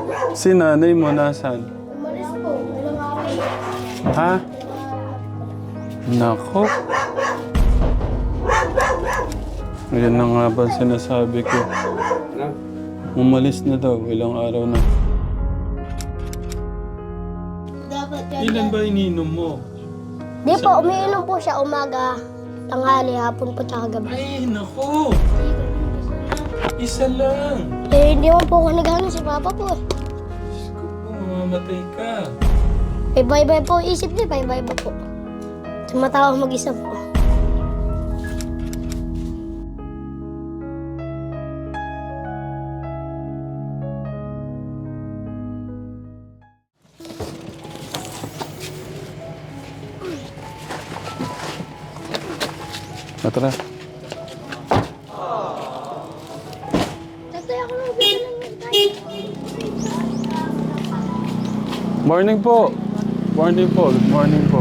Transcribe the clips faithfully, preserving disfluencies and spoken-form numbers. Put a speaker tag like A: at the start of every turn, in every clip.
A: Si nanay mo nasaan?
B: Umalis po. Ilang araw.
A: Ha? Nako. Ayan na nga ba sinasabi ko. Umalis na daw, ilang araw na.
B: Dapat yan.
A: Ilan ba ininom mo?
B: Di po, umiinom po siya umaga, tanghali, hapon po, tsaka gabi.
A: Ay, nako. Isa lang.
B: Eh, hindi mo po ako nagano si Papa po. eh.
A: Diyos ko po, mamamatay ka.
B: Bye-bye po, isip niya, bye-bye po. Tumatawa mag-isa po.
A: Tara.
B: Tatay, ako lang bilang yung tayo.
A: Morning po. Morning po. Good morning po.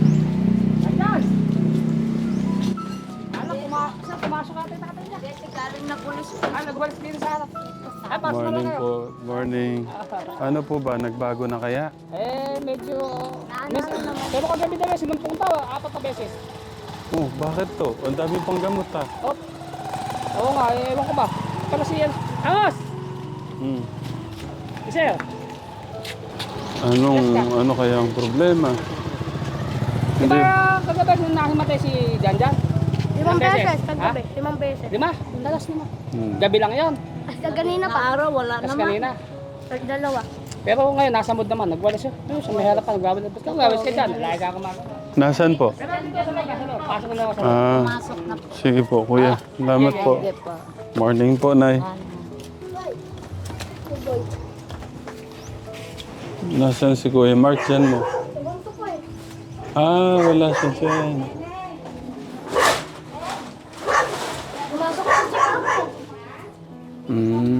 A: Morning po. Morning. Ano po ba? Nagbago na kaya?
C: Eh, medyo... Mis, pero kagabi na rin, sinumpong tao, apat na beses.
A: Oh, bakit to? Ang dami pang gamot ha.
C: Oh. Oo nga, eh, ewan ko ba. Kala siya... Angos!
A: Hmm.
C: Isa
A: Anong, ano kaya ang problema?
C: Di ba kagabi nung nahimatay si Janjan?
B: Limang
C: Ilang
B: beses,
C: Ha?
B: kagabi. Limang beses.
C: Lima? Ang dalas lima.
A: Hmm.
C: Gabi lang yon.
B: Hasta ganina pa. Araw, wala
C: Tapos kanina.
B: Dalawa.
C: Pero ngayon, nasa mood naman. Nagwalis yun. Ayun, sa may harapan, nagwalis. Ba't ka nagwalis ka dyan? Lagi ka kumakas.
A: Nasaan po?
C: Pasok na ako sa...
A: Ah, sige po, kuya. Salamat po. Morning po, Nay. Nasaan si Kuya Mark dyan mo? Ah, wala siya dyan.
B: Pumasok ko sa ako.
A: Hmm.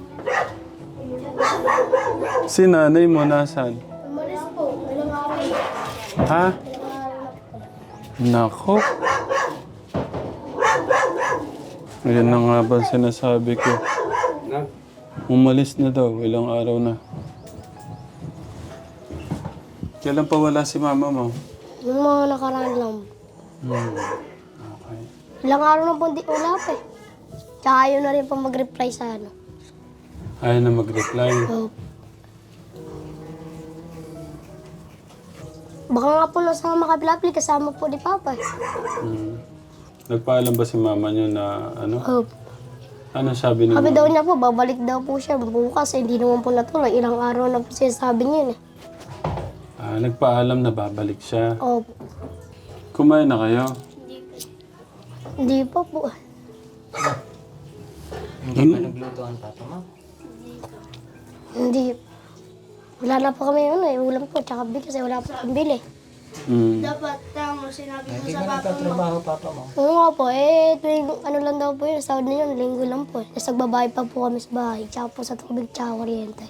A: Si nanay mo nasaan?
B: Umalis po. Ilang araw.
A: Ha? Nako. Ayan na nga ba sinasabi ko. Umalis na daw, ilang araw na. Kailan pa wala si mama mo?
B: Yung mga nakaraan lang.
A: Hmm. Okay.
B: Ilang araw na po hindi wala pa eh. Tsaka ayaw na rin po mag-reply sa ano.
A: Ayaw na mag-reply.
B: Oh. Baka nga po nasa makapilapil kasama po ni Papa eh.
A: Hmm. Nagpaalam ba si mama niyo na ano?
B: Oh.
A: Ano sabi ni
B: Sabi
A: mama?
B: daw niya po, babalik daw po siya bukas eh. Hindi naman po natuloy. Ilang araw na po siya sabi niya eh.
A: Ah, nagpaalam na babalik siya.
B: Oh.
A: Kumain na kayo?
B: Hindi pa po.
D: Hindi pa nagluto ang papa mo?
B: Hindi. Wala na po kami ano eh. Ulam po, tsaka bigas eh. Wala po kami bili.
A: Hmm.
B: Dapat tamo sinabi
D: Hindi ba nagtatrabaho papa mo?
B: Oo nga po, eh, tuwing ano lang daw po yun, sahod na yun, linggo lang po. Tapos nagbabayad pa po kami sa bahay, tsaka po sa tubig, tsaka kuryente.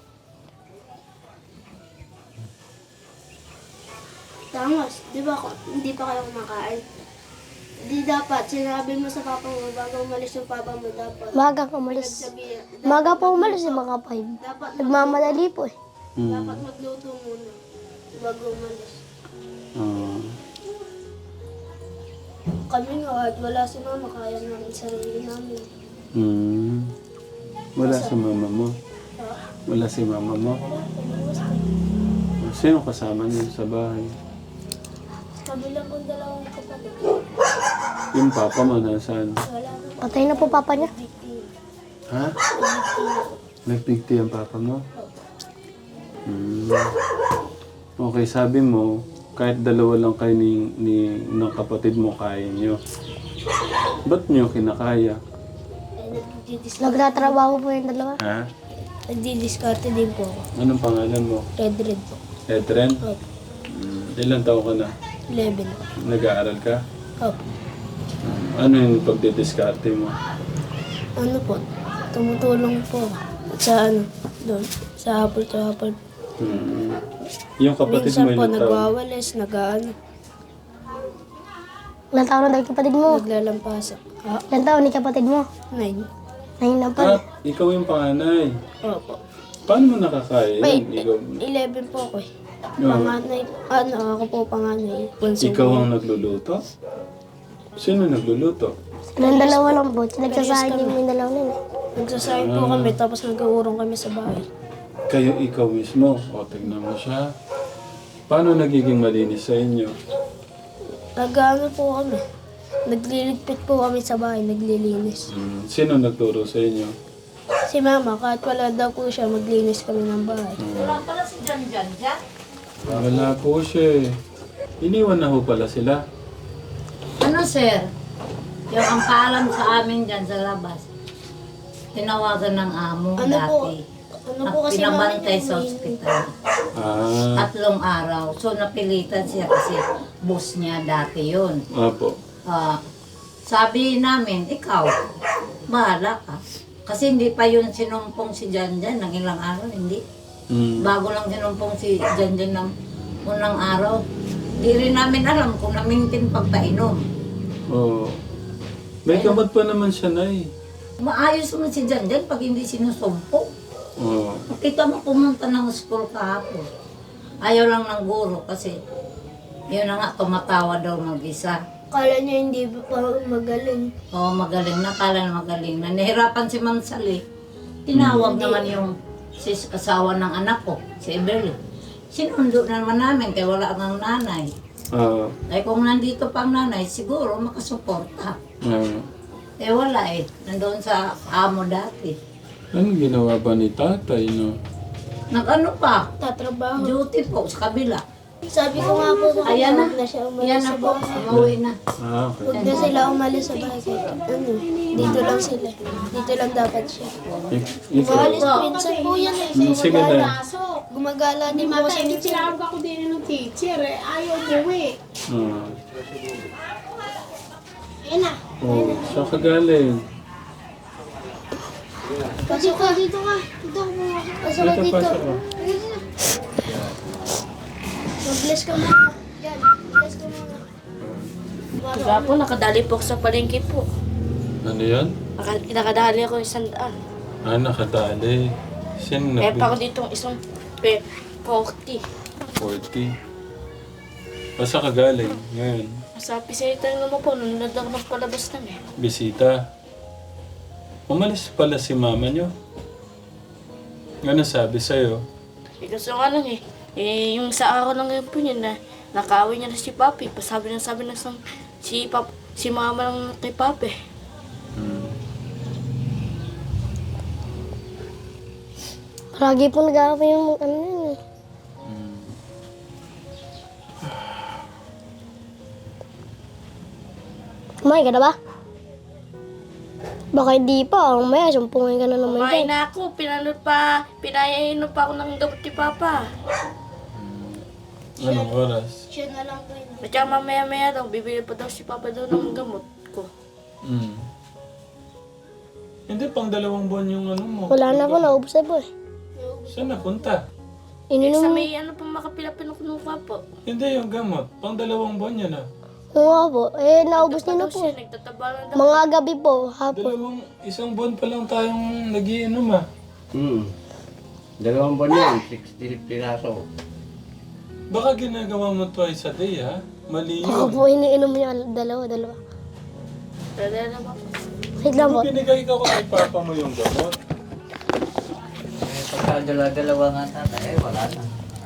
B: Tamos, di ba hindi pa kayo kumakain? Di dapat, sinabi mo sa papa mo, bago umalis yung papa mo, dapat. Maga umalis. Maga po umalis yung mga five. Nagmamadali po eh.
A: Hmm.
B: Magluto muna, bago umalis.
A: Ah.
B: Kami nga, at wala si mama, kaya namin sarili namin.
A: Hmm. Wala si mama mo? Wala si mama mo? Sino kasama niyo sa bahay?
B: Kami lang kung dalawang kapatid.
A: Yung papa mo nasaan?
B: Wala na. Patay na po papa niya.
A: Ha? Nag-big tea ang papa mo? Hmm. Okay, sabi mo, kahit dalawa lang kayo ni, ni, ng kapatid mo, kaya nyo. Ba't nyo kinakaya?
B: Nagtatrabaho po yung dalawa.
A: Ha?
B: Nagdi-discarte din po ako.
A: Anong pangalan mo?
B: Red Red po.
A: Edren?
B: Opo.
A: Hmm. Ilan taon ka na?
B: eleven.
A: Nag-aaral ka?
B: Opo.
A: Ano yung pagdidiskarte mo?
B: Ano po? Tumutulong po ako. Sa ano? Doon. Sa hapon sa hapon.
A: Hmm. Yung kapatid mo
B: Minsan po
A: ilan taon?
B: nagwawalis, nag-ano. Ilan taon na dahil kapatid mo? Naglalampasak. Ah, ilan taon ni kapatid mo? Nine. Nine na
A: Ah,
B: pala.
A: ikaw yung panganay.
B: Opo.
A: Paano mo nakakain?
B: Wait,
A: Ikaw,
B: eleven po ako eh.
A: Oo.
B: Panganay, ano, ako po panganay. Bunso
A: ikaw
B: po.
A: ang nagluluto? Sino nagluluto?
B: Nang dalawa lang po. Nagsasahin yung may dalawa nun eh. Nagsasahin po kami, tapos nag-uurong kami sa bahay.
A: Kayo ikaw mismo. O, tignan mo siya. Paano nagiging malinis sa inyo?
B: Nag-ano po kami. Nagliligpit po kami sa bahay, naglilinis.
A: Hmm, sino nagturo sa inyo?
B: Si mama, kahit wala daw po siya, maglinis kami ng bahay.
A: Wala po siya eh. Iniwan na ho pala sila.
E: Ano sir? Yung ang paalam sa amin dyan sa labas, tinawagan ng amo
B: Ano po?
E: dati.
B: Ano
E: At
B: po kasi
E: pinabantay
B: namin
E: sa
B: yun,
E: ospital.
A: Ah,
E: Tatlong araw. So napilitan siya kasi boss niya dati yun.
A: opo.
E: Ah, sabi namin, ikaw, bahala ka. Kasi hindi pa yun sinumpong si Janjan ng ilang araw, hindi.
A: Hmm.
E: Bago lang sinumpong si Janjan ng unang araw. Di rin namin alam kung namintin pagpainom.
A: Oh. May gamot pa naman siya, Nay.
E: Maayos naman si Janjan pag hindi sinusumpong.
A: Oh.
E: Kita mo pumunta ng school kahapon. Ayaw lang ng guro kasi yun na nga, tumatawa daw mag-isa.
B: Kala niya hindi pa magaling.
E: Oo, magaling na, kala na magaling na. Nahirapan si Ma'am Sally. Tinawag naman yung sis asawa ng anak ko, si Eberly. Sinundo na naman namin kaya wala ang nanay.
A: Ah.
E: Ay kung nandito pang nanay, siguro makasuporta.
A: Ah.
E: Eh wala eh, nandoon sa amo dati.
A: Anong ginawa ba ni tatay, no?
E: Nag-ano pa,
B: Tatrabaho.
E: duty po sa kabila.
B: Sabi ko nga po sa
E: Ayan na.
B: huwag na siya umalis
E: Yan
B: sa
E: na po,
B: bahay.
E: umuwi na.
A: Ah, okay.
B: Huwag na sila umalis sa bahay. Kahit ano, dito lang sila. Dito lang dapat siya.
A: Ik- ikaw.
B: Umalis, minsan po yan eh.
A: Hmm, sige na.
B: Gumagala din po kasi minsan.
F: Tinawag ako din ng teacher eh. Ayaw umuwi.
A: Ah.
F: Ayun na.
A: Oh, saan ka galing?
B: Pasok ka dito ka. Dito ka muna. Pasok ka
A: Dito,
B: dito.
A: pasok ka.
B: Mag-bless ka muna. Yan, bless ka muna.
G: Kaya po, nakadali po ako sa palengke po.
A: Ano yan?
G: Naka- Nakadali ako isang daan.
A: Ah, nakadali. Sino
G: Kaya pa ako
A: na?
G: dito isang pe, forty.
A: forty. O saan ka galing? Ngayon.
G: Sa pisita naman po, nunod ako ng palabas namin.
A: Bisita. Umalis pala si mama nyo. Ano sabi sa'yo?
G: Eh, gusto nga lang eh. Eh, yung sa araw lang yun po niya na nakaaway niya na si Papi. Pasabi na sabi na sa, si, pap, si mama lang kay Papi.
A: Hmm.
B: Lagi po nag-aaway yung ano yun eh.
A: Hmm.
B: Kumain ka na ba? Baka hindi pa. Ang maya, sumpungin ka na naman
G: Kumain
B: dyan.
G: na ako, pinanood pa, pinayainom pa ako ng gamot ni Papa.
A: Anong oras?
B: Siya na lang po yun.
G: At saka mamaya-maya daw, bibili pa daw si Papa daw ng gamot ko.
A: Hmm. Hindi, pang dalawang buwan yung ano mo.
B: Wala na po, naubos na po eh.
A: Saan napunta?
G: Eh, sa
B: Ininom.
G: may ano pa makapilapin ako nung po.
A: Hindi, yung gamot. Pang dalawang buwan yan ah.
B: Oo nga po. Eh, naubos niyo na
G: Daw
B: po.
G: siya, nagtataba lang daw.
B: Mga gabi po, hapon.
A: Dalawang, isang buwan pa lang tayong nagiinom ah.
H: Hmm. Dalawang buwan yan, sixty piraso.
A: Baka ginagawa mo twice a day ha? Mali
B: Ako
A: yun.
B: po, iniinom niya dalawa, dalawa.
G: Dala na ba?
B: Wait lang po.
A: Kung binigay ka ko kay papa mo yung gamot.
D: Eh, pagka dalawa-dalawa nga tatay, eh, wala na.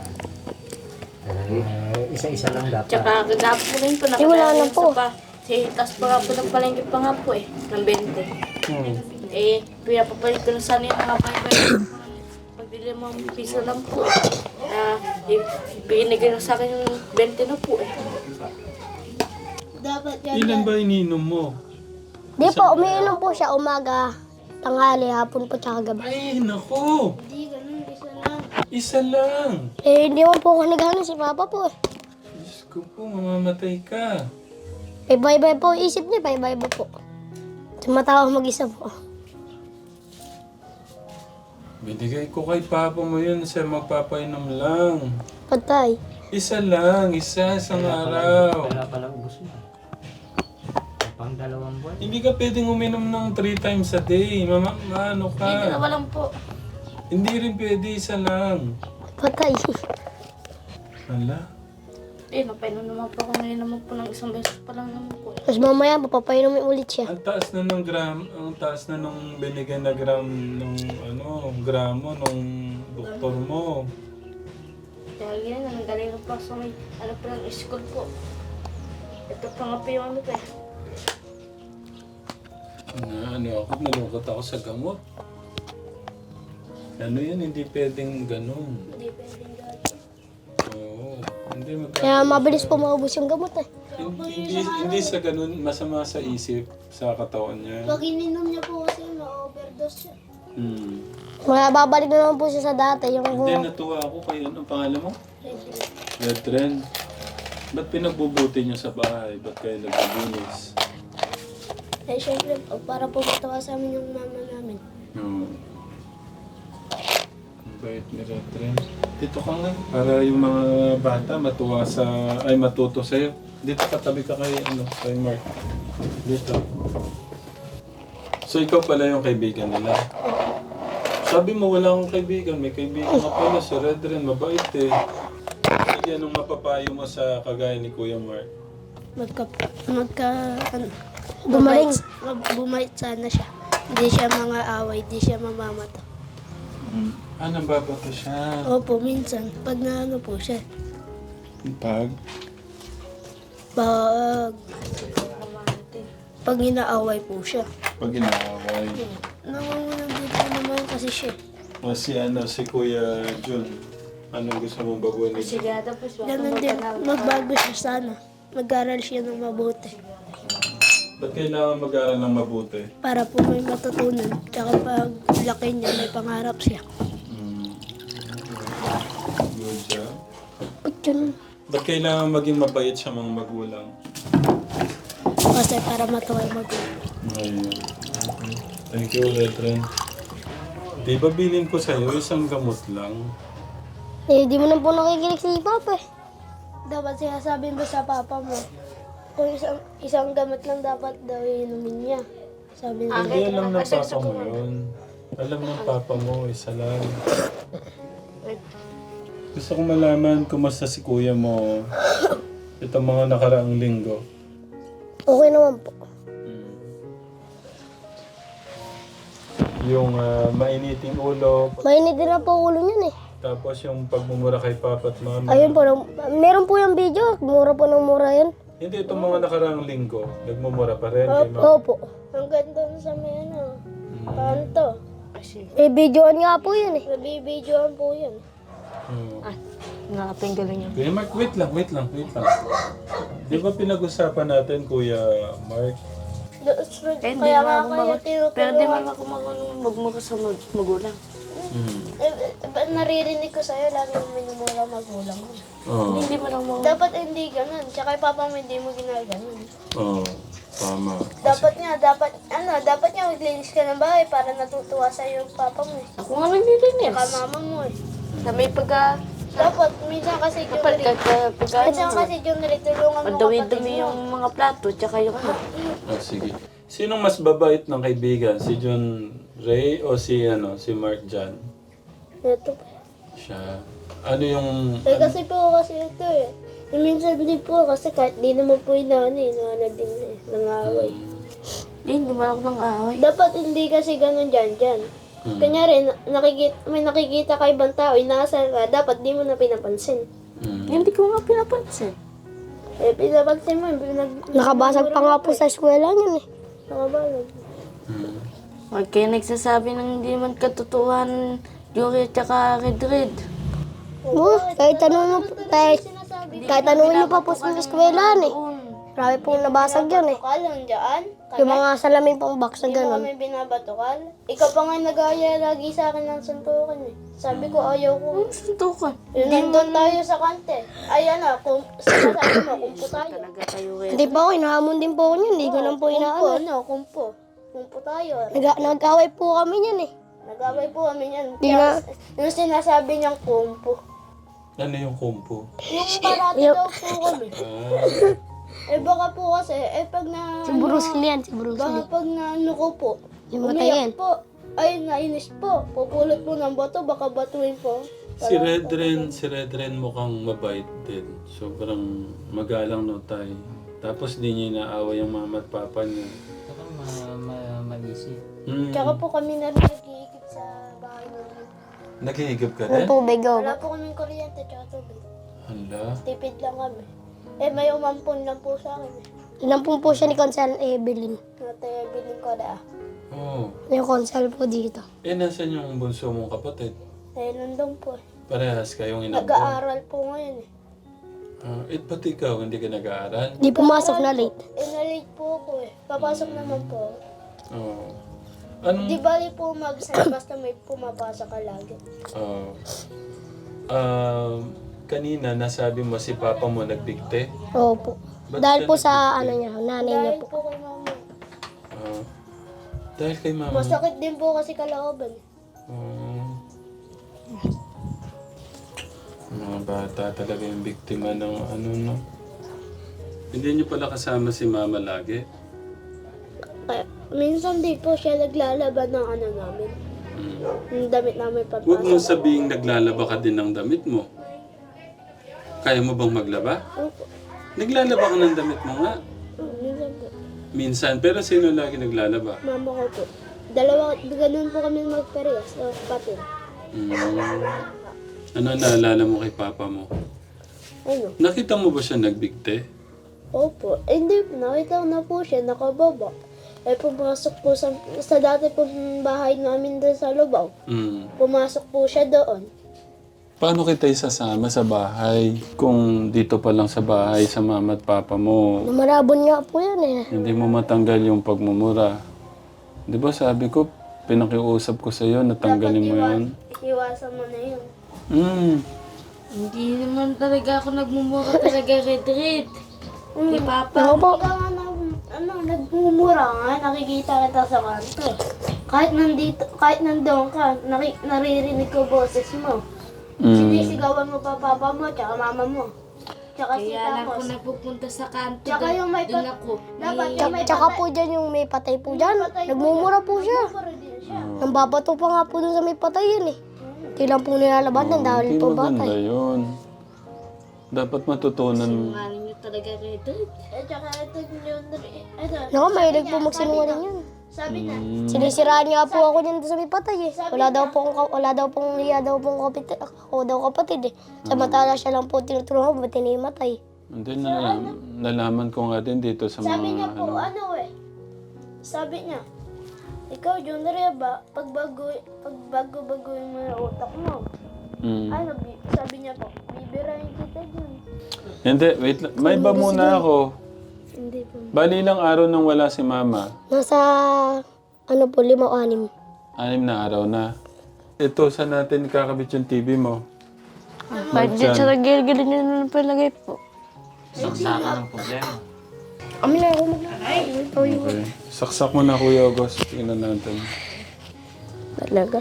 D: Eh, isa-isa lang dapat.
G: Tsaka kagabi po rin po,
B: Eh, wala na
G: nakadali
B: po.
G: sa pa. Si, tas pa nga po nagpalengke pa nga po eh, ng twenty.
A: Hmm.
G: Eh, pinapapalit ko na sana yung mga five pagbili mo ang piso lang po. Ah, eh, binigay na sa akin yung twenty na po eh.
B: Dapat
A: Ilan ba ininom mo?
B: Di po, umiinom po siya umaga, tanghali, hapon po, tsaka gabi.
A: Ay, naku!
B: Hindi, ganun, isa lang.
A: Isa lang!
B: Eh, hindi mo po ako naghahanap si Papa po eh.
A: Diyos ko po, mamamatay ka.
B: Eh, bye-bye po, isip niya, bye-bye po. Tumatawa mag-isa po.
A: Binigay ko kay papa mo yun siya magpapainom lang.
B: Patay.
A: Isa lang, isa, isang araw.
D: Wala pala ubos mo. Pang dalawang buwan.
A: Hindi ka pwedeng uminom ng three times a day. Mama, ano
G: Hindi, dalawa
A: ka?
G: lang po.
A: Hindi rin pwede, isa lang.
B: Patay.
A: Hala.
G: Eh, napainom naman po ako ngayon naman po ng isang beses pa lang naman po.
B: Tapos mamaya, papapainumin ulit siya.
A: Ang taas na ng gram, ang taas na nung binigyan na gram nung ano, gramo nung doktor mo.
G: Kaya ganyan, nanggaling na po sa may, ano po ng school po. Ito pa nga po yung ano pa eh.
A: Na, ano ako, nalungkot ako sa gamot. Ano yan, hindi pwedeng ganun.
G: Hindi pwedeng gagawin.
A: Oo, hindi magka...
B: Kaya mabilis po maubos yung gamot eh.
A: Hindi, hindi sa ganun, masama sa isip, sa katawan niya.
B: Pag ininom niya po kasi ma-overdose siya.
A: Hmm.
B: Kaya babalik na naman po siya sa dati. Yung
A: Hindi, natuwa ako kay ano, ang pangalan mo? Red Trend. Ba't pinagbubuti niyo sa bahay? Ba't kayo nagbubunis?
B: Eh, syempre, para po matawa sa amin yung mama namin.
A: Oo. Ang bait ni Red Trend. Dito ka nga, para yung mga bata matuwa sa, ay matuto sa'yo. Dito katabi ka kay, ano, kay Mark. Dito. So ikaw pala yung kaibigan nila. Sabi mo wala akong kaibigan, may kaibigan ka pala si Red Trend, mabait eh. Sige, anong mapapayo mo sa kagaya ni Kuya Mark?
B: Magka, magka, ano, bumaling. Bumait sana siya. Hindi siya mga away, hindi siya mamamata.
A: Mm. Ah, nambabato siya.
B: Opo, minsan, pag naano po siya,
A: Pag?
B: pag, pag inaaway po siya.
A: Pag inaaway.
B: Nangungunan dito naman kasi siya.
A: O si ano, si Kuya Jun. Anong gusto mong baguhin ni Jun?
G: Sigada po siya.
B: Ganun din, magbago siya sana. Mag-aral siya ng mabuti.
A: Ba't kailangan mag-aaral ng mabuti?
B: Para po may matutunan. Tsaka pag laki niya, may pangarap siya.
A: Mm. Good job.
B: Ba't yun?
A: Ba't kailangan maging mabait siya mga magulang?
B: Kasi para matuwa yung magulang.
A: Ayun. Thank you, Letren. Di ba bilin ko sa'yo isang gamot lang?
B: Eh, di mo na po nakikinig si Papa eh. Dapat sinasabi mo sa Papa mo. Kung isang, isang gamot lang dapat daw inumin niya. Sabi niya.
A: Hindi alam ng papa mo yun. Alam ng papa mo, isa lang. Gusto ko malaman kumusta si kuya mo itong mga nakaraang linggo.
B: Okay naman po.
A: Yung ah, mainiting ulo,
B: Mainit din na po ulo niyan eh.
A: tapos yung pagmumura kay papa at mama.
B: Ayun po, nang- meron po yung video. Mura po ng mura yan.
A: Hindi, itong mga nakaraang linggo, nagmumura pa rin kay mama.
B: Opo. Ang ganda sa may ano. Paano to? Eh, videoan nga po yun eh. Nabibidyoan po yun.
A: Hmm.
G: Ah, nakaping galing niya.
A: Kuya Mark, wait lang, wait lang, wait lang. Di ba pinag-usapan natin, Kuya Mark?
G: Eh, hindi
B: Kaya
G: naman
B: nga
G: ako
B: kaya
G: mag-
B: tinutulungan.
G: Pero di man ako mag- magmura sa mag- magulang.
A: Hmm.
B: Eh, eh, naririnig ko sa'yo, lagi mo minumura magulang mo.
A: Oo.
G: Hindi man ako mag-
B: Dapat hindi ganun. Tsaka yung papa mo hindi mo ginaganon.
A: Oo. Tama.
B: Dapat nga, dapat, ano, dapat nga maglinis ka ng bahay para natutuwa sa'yo yung papa mo eh.
G: Ako nga naglilinis.
B: Tsaka mama mo eh.
G: Na may pagka...
B: Dapat, minsan kasi yung
G: Kapag pagka... pagka
B: minsan kasi yung tulungan mo kapatid
G: Madumi-dumi
B: mo.
G: yung mga plato, tsaka yung ano.
A: Ah, sige. Sinong mas babait ng kaibigan? Si John Ray o si ano, si Mark Jan?
B: Ito.
A: Siya. Ano yung...
B: Eh kasi po kasi ito eh. Eh, minsan din po kasi kahit di naman po inaano eh, inaano din eh, nangaway.
G: Eh, hindi man ako nang away.
B: Dapat hindi kasi ganun dyan dyan.
A: Hmm.
B: Kanyari, na- nakikita, may nakikita ka ibang tao, inaasar ka, dapat di mo na pinapansin.
A: Hmm.
G: Hindi ko nga pinapansin.
B: Eh, pinapansin mo, pinag...
F: Nakabasag pa nga po sa eskwela yun eh.
B: Nakabasag.
A: Hmm.
G: Huwag kayo nagsasabi ng hindi man katotohanan, Yuri at saka Red Red.
F: Oo, kahit tanong mo, kahit, kahit tanongin mo pa po sa eskwela eh.
G: Doon.
F: Marami pong nabasag yun eh.
B: Bakal lang dyan.
F: Yung mga salamin pong box na
B: Hindi mo
F: gano'n.
B: kami binabatukal. Ikaw pa nga nag-aaya lagi sa akin ng suntukan eh. Sabi ko, ayaw ko.
G: Ang suntukan.
B: Yun, nandun tayo sa kante. Ayan na, kung sinasabi mo, kumpo tayo.
G: Talaga kayo Red.
F: Hindi pa ako, inahamon din po ako yun. Hindi ko lang po
B: Kumpo,
F: inaano.
B: ano, kumpo. Kumpo tayo.
F: Nag- nag-away po kami yan eh.
B: Nag-away po kami yan.
F: Di
B: Kaya,
F: na-
B: yung sinasabi niyang kumpo.
A: Ano yung kumpo?
B: Yung parati
F: Yung-
B: daw po kami.
A: Ah.
B: Eh baka po kasi, eh pag na...
F: Si Bruce Lee yan, si Bruce
B: Baka
F: Lee.
B: pag na ano ko po,
F: Yung matayin.
B: umiyak po. ay nainis po. Pupulot po ng bato, baka batuin po.
A: Si Redren, si Redren mukhang mabait din. Sobrang magalang no tay. Tapos di niya inaawa yung mama at papa niya.
D: Saka ma, ma, mag-isip.
A: Hmm.
B: Tsaka po kami na rin nag-iikip sa bahay namin.
A: Naghihigop ka
F: Ng
A: rin?
F: tubig, oh.
B: Wala po kaming kuryente tsaka tubig.
A: Hala.
B: Tipid lang kami. Eh, may umampon lang po sa akin. Eh.
F: Inampun po siya ni Consal Evelyn.
B: Nataya bilin ko na ah.
A: Oh.
F: Yung Consal po dito.
A: Eh, nasan yung bunso mong kapatid?
B: Eh, nandun po eh.
A: Parehas kayong inampon.
B: Nag-aaral po ngayon eh.
A: Ah, eh, pati ikaw, hindi ka nag-aaral?
F: Di pumasok na late.
B: Eh, na-late po ako eh. Papasok naman po.
A: Oo. Anong...
B: Di bali po mag-sign basta may pumapasok ka lagi.
A: Oo. Ah, kanina, nasabi mo si papa mo nagbigte?
F: Opo.
A: Ba't
F: Dahil
A: siya
F: po sa
A: nagbigte?
F: ano niya, nanay niya
B: Dahil
F: po.
B: po kay mama.
A: Ah, dahil kay mama.
B: Masakit din po kasi kalooban eh.
A: Oo. Mga bata talaga yung biktima ng ano, no? Hindi niyo pala kasama si mama lagi?
B: Kaya, minsan di po siya naglalaban ng ano namin.
A: Hmm.
B: Yung damit namin
A: Huwag mo
B: papasok.
A: sabihing naglalaba ka din ng damit mo. Kaya mo bang maglaba?
B: Opo.
A: Naglalaba ka ng damit mo nga.
B: Mm, Minsan po.
A: Minsan, pero sino lagi naglalaba?
B: Mama ko po. Dalawa, ganun po kami magparehas. So, kapatid.
A: Hmm. Ano naalala mo kay papa mo?
B: Ano?
A: Nakita mo ba siya nagbigte?
B: Opo. Eh, hindi po. Nakita ko na po siya. Nakababa. Eh, pumasok po sa, sa dati po bahay namin doon sa Lubao.
A: Hmm.
B: Pumasok po siya doon.
A: Paano kita isasama sa bahay kung dito pa lang sa bahay sa mama at papa mo?
F: Lumarabon nga po yan eh.
A: Hindi mo matanggal yung pagmumura. Di ba sabi ko, pinakiusap ko sa iyo, natanggalin mo yun?
B: Iwasan mo na yun.
A: Hmm.
G: Hindi naman talaga ako nagmumura talaga, Red Red. Kay Papa.
F: Ako po.
B: Ikaw nga na, ano, nagmumura nga, nakikita kita sa kanto. Kahit nandito, kahit nandoon ka, naki, naririnig ko boses mo.
A: Hmm.
B: Sinisigawan mo pa papa mo, tsaka mama mo. Tsaka si
G: Kaya lang
B: Tapos.
G: ako nagpupunta sa kanto.
B: Tsaka yung may
G: Doon
B: pat-
G: ako.
B: Dapat
G: May-
B: yung may
F: Tsaka
B: patay-
F: po dyan yung may patay po dyan.
B: patay po
F: Nagmumura
B: dyan.
F: po siya.
B: Nagmumura din siya.
F: Nang babato pa nga po dun sa may patay yan eh. Hindi lang po nilalabanan dahil
A: Hindi
F: po
A: maganda
F: batay.
A: yun. Dapat matutunan.
G: Sinungaling niyo talaga, Red Red.
B: Eh, tsaka ito yun, ito.
F: Naku, mahilig po
B: niya,
F: magsinungaling yan.
B: Sabi niya,
A: Hmm.
F: Sinisiraan nga po ako dyan sa may patay eh. Wala daw pong, wala daw pong hiya daw pong kapatid, ako daw kapatid eh. Samantala siya lang po tinutulungan ko, ba't tinimatay?
A: Hindi na, nalaman ko nga din dito sa mga
B: sabi niya po,
A: ano.
B: ano eh. Sabi niya, ikaw, John Reba, pagbago, pagbago-bagoy mo yung utak mo.
A: Hmm.
B: Ano, bi- sabi niya po, bibirahin kita dyan.
A: Hindi, wait lang. May ba muna ako?
B: Hindi po.
A: Bali ilang araw nang wala si mama?
F: Nasa, ano po, lima o anim.
A: Anim na araw na. Ito, saan natin kakabit yung T V mo?
G: Bakit dyan sa nagigilin niyo na palagay po?
D: Saksakan ng problema.
F: Kami na ako mag-ay.
A: Okay. Saksak mo na, Kuya August. Tingnan natin.
F: Talaga.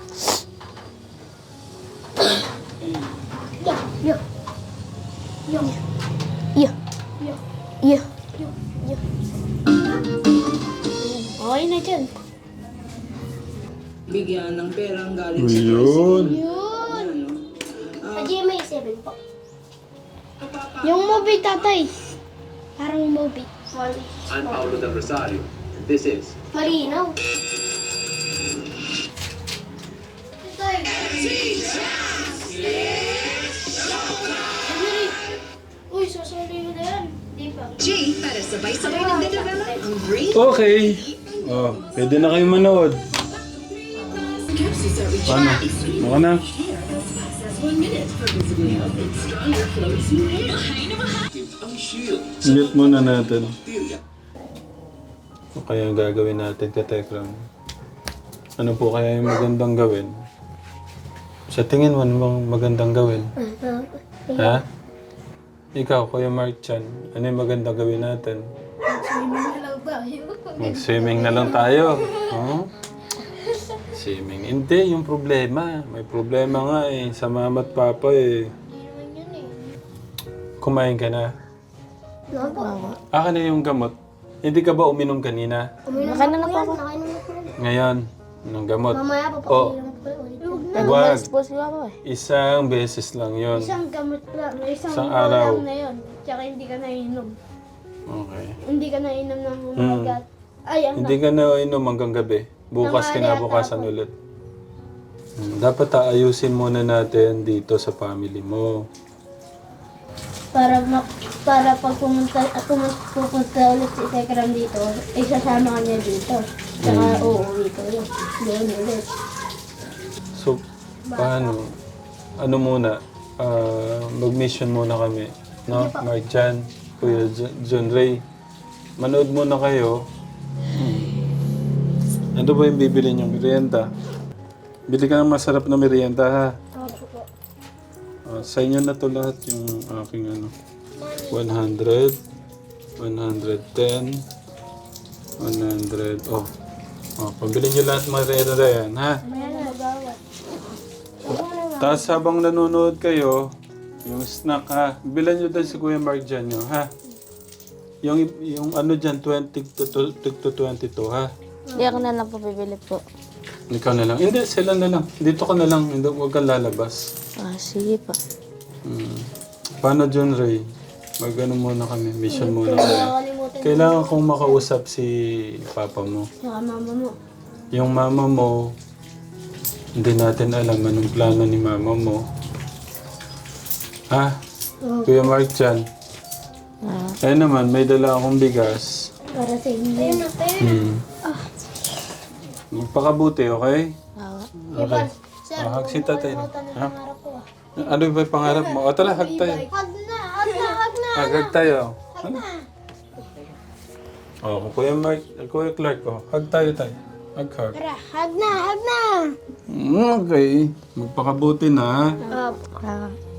B: Yo. Yo.
F: Iya.
B: Yo.
F: Iya.
B: Okay na dyan.
I: Bigyan ng perang galing
A: Ayun.
B: Yun. Sa G M A seven po. Yung movie, tatay. Parang movie. Mali.
J: I'm Paolo Del Rosario, and this is
B: Malinaw. Tay. Uy, susuli mo na yan. Di ba?
K: G para sabay-sabay nagde-develop ang brain
A: Okay. Oh, pwede na kayo manood.
K: capsules are rich
A: Paano? Maka na.
K: one minute for visibility of its stronger flows in hair.
J: ang shield
A: Mute muna natin.
J: bacteria.
A: Ano kaya ang gagawin natin ka Tekram? Ano po kaya yung magandang gawin? Sa tingin mo, ano bang magandang gawin? Ha? Ikaw, Kuya Mark Chan, ano yung magandang gawin natin? Mag-swimming na lang tayo. Huh? Swimming. Hindi, yung problema. May problema nga eh. Sa mama at papa eh. Kumain ka na? Aka na yung gamot. Hindi ka ba uminom kanina?
F: Nakain na lang po ako.
A: Ngayon, ng gamot.
B: Mamaya
A: Oh,
B: papakailan ko ulit.
A: wag.
G: po sila ko eh.
A: Isang beses lang yon.
B: Isang gamot lang, isang,
A: Isang
B: araw
A: araw.
B: lang na yun. Tsaka hindi ka nainom.
A: Okay.
B: Hindi ka nainom ng
A: Mm.
B: umagat. Ay, ang
A: Hindi ka na inom hanggang gabi. Bukas,
B: Tanghali
A: kinabukasan
B: at
A: ulit. Hmm, dapat aayusin muna natin dito sa family mo.
B: para ma- para pag pumunta, at pumunta, pupunta ulit si Tekram dito, isasama ka niya dito. Tsaka
A: Mm.
B: uuwi ko yun. Doon ulit.
A: So, paano? Ano muna? Ah, mag-mission muna kami. No? Mark Jan, Kuya J- John Ray. Manood muna kayo. Hmm. Ano ba yung bibili niyong merienda? Bili ka ng masarap na merienda, ha?
B: Opo po.
A: Ah, sa inyo na to lahat yung aking ano. one hundred, one hundred ten, one hundred, oh. Oh, pabili niyo lahat merienda yan, ha?
B: May ano magawat.
A: Tapos habang nanonood kayo, yung snack ha, bilan nyo din si Kuya Mark dyan nyo, ha? Yung, yung ano dyan, twenty to, to, to twenty-two, ha?
G: Hindi ako na lang po bibili po.
A: Ikaw na lang. Hindi, sila na lang. Dito ka na lang. Hindi, huwag kang lalabas.
G: Ah, sige po.
A: Hmm. Paano, John Ray? Mag-ano muna kami. Mission muna kami.
B: Nakakalimutan
A: Kailangan kong makausap si papa mo.
B: Saka mama mo.
A: Yung mama mo, hindi natin alam anong plano ni mama mo. Ha? Kuya Mark dyan.
G: Ah,
A: Ayun naman, may dala akong bigas.
B: Para sa inyo. Ayun na,
A: Hmm. Magpakabuti, okay?
G: ah,
A: Okay.
B: Sir,
A: Ah, hag si tatay.
B: huwag mo kalimutan
A: Ha?
B: ang pangarap ko ah.
A: Ano ba yung pangarap mo? O tara, hag tayo.
B: Hag na, hag na, hag na.
A: Hag, hag tayo. Ano? Oh, Kuya Mark, Kuya Clark, oh. Hag tayo tayo. Hag, hag.
B: Tara, hag na, hag na.
A: Mm, okay. Magpakabuti na.
B: Opo.
G: ah.